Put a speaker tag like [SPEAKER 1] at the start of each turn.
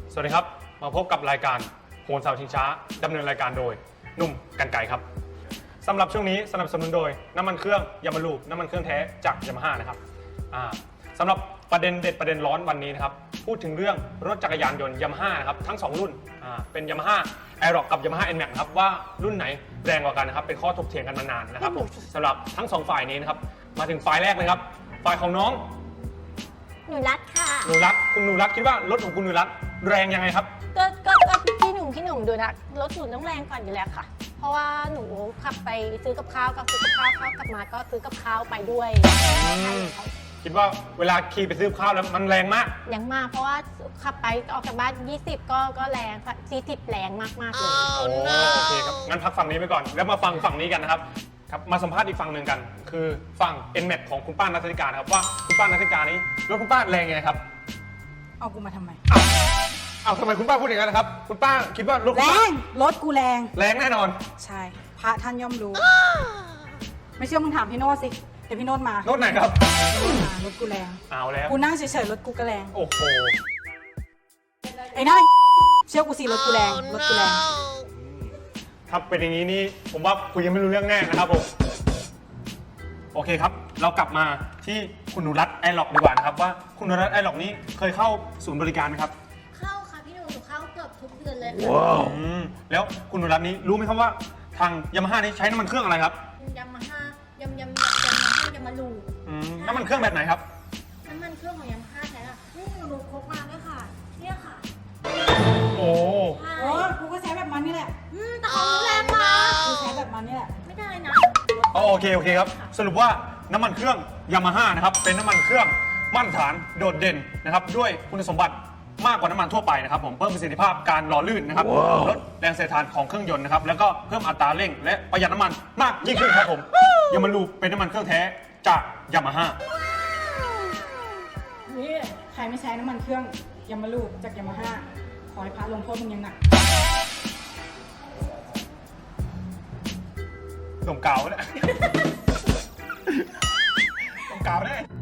[SPEAKER 1] สวัสดีครับมาพบกับรายการโหนเสาชิงช้าดำเนินรายการโดยหนุ่มกันไก่ครับสำหรับช่วงนี้สนับสนุนโดยน้ำมันเครื่องยามาลูน้ำมันเครื่องแท้จากยามาฮ่านะครับสำหรับประเด็นเด็ดประเด็นร้อนวันนี้นะครับพูดถึงเรื่องรถจักรยานยนต์ยามาฮ่านะครับทั้ง2รุ่นเป็นยามาฮ่าไอร็อกกับยามาฮ่าเอ็นแม็กครับว่ารุ่นไหนแรงกว่ากันนะครับเป็นข้อถกเถียงกันมานานนะครับสำหรับทั้ง2ฝ่ายนี้นะครับมาถึงฝ่ายแรกเลยครับฝ่ายของน้อง
[SPEAKER 2] หนูรัดค่ะ
[SPEAKER 1] หนูรัดคุณหนูรัดคิดว่ารถของคุณหนูรัดแรงยังไงครับ
[SPEAKER 2] ก็พี่หนุ่มดูนะรถหนูต้องแรงกว่าอยู่แล้วค่ะเพราะว่าหนูขับไปซื้อกับข้าวก็ซื้อกับข้าวเข้ากลับมาก็ซื้อกับข้าวไปด้วย
[SPEAKER 1] คิดว่าเวลาขี่ไปซื้อข้าวแล้วมันแรงมาก
[SPEAKER 2] ยังมากเพราะว่าขับไปออกจากบ้าน20ก็แรง40แรงมากเลย
[SPEAKER 1] โอเคครับงั้นพักฝั่งนี้ไปก่อนแล้วมาฟังฝั่งนี้กันนะครับครับมาสัมภาษณ์อีกฝั่งหนึ่งกันคือฝั่ง NMAX ของคุณป้าณัฐกานะครับว่าคุณป้าณัฐกานี้รถคุณป้าแรงไงครับ
[SPEAKER 3] เอากูมาทำไม
[SPEAKER 1] เอาทำไมคุณป้าพูดอย่างนั้นนะครับคุณป้าคิดว่ารถ
[SPEAKER 3] แรงรถกูแรง
[SPEAKER 1] แน่นอน
[SPEAKER 3] ใช่พระท่านย่อมรู้ไม่เชื่อมึงถามพี่โน้ตสิเดี๋ยวพี่โน้ตมาร
[SPEAKER 1] ถไหนครับ
[SPEAKER 3] รถกูแรง
[SPEAKER 1] เอาแล้ว
[SPEAKER 3] กูนั่งเฉยๆรถกูก็แรง
[SPEAKER 1] โอ้โห
[SPEAKER 3] ไอ้น้าเชื่อกูสิรถกูแรงรถกูแรง
[SPEAKER 1] ครับเป็นอย่างนี้นี่ผมว่าคุยยังไม่รู้เรื่องแน่นะครับผมโอเคครับเรากลับมาที่คุณหนูรัตน์ไอร็อกดีกว่านะครับว่าคุณหนูรัตน์ไอร็อกนี้เคยเข้าศูนย์บริการไหมครับ
[SPEAKER 2] เข้าค่ะพี่หนูเข้าเกือบทุกเดือนเลย
[SPEAKER 1] ว้าวแล้วคุณหนูรัตน์นี้รู้ไหมครับว่าทางยามาฮ่านี้ใช้น้ำมันเครื่องอะไรครับ
[SPEAKER 2] ยามาฮ่ายามาลู
[SPEAKER 1] น้ำมันเครื่องแบบไหนครับ
[SPEAKER 2] น้ำมันเครื่องของยามาฮ่าใช่ค่ะนี่หนูพกมาด้วยค่ะเนี่ยค่ะ
[SPEAKER 1] โอ้
[SPEAKER 3] กูก็ใช้แบบมันนี่แหละ
[SPEAKER 2] แต่ของหนูแรงมาก
[SPEAKER 3] กูใช้แบบมันนี่แหละ
[SPEAKER 2] ไม่ได้นะ
[SPEAKER 1] โอเคครับสรุปว่าน้ำมันเครื่องยามาฮ่านะครับเป็นน้ำมันเครื่องมาตรฐานโดดเด่นนะครับด้วยคุณสมบัติมากกว่าน้ำมันทั่วไปนะครับผมเพิ่มประสิทธิภาพการหล่อลื่นนะครับลดแรงเสียดทานของเครื่องยนต์นะครับแล้วก็เพิ่มอัตราเร่งและประหยัดน้ำมันมากยิ่งขึ้นครับผมยามาลูเป็นน้ำมันเครื่องแท้จากยามาฮ่า
[SPEAKER 3] นี่ใครไม่ใช้น้ำมันเครื่องยามาลูจากยามาฮ่าขอให้พระลงโทษมึงยังหนัก
[SPEAKER 1] ส่งเก่าเนี่ยส่งเก่าเนี่ย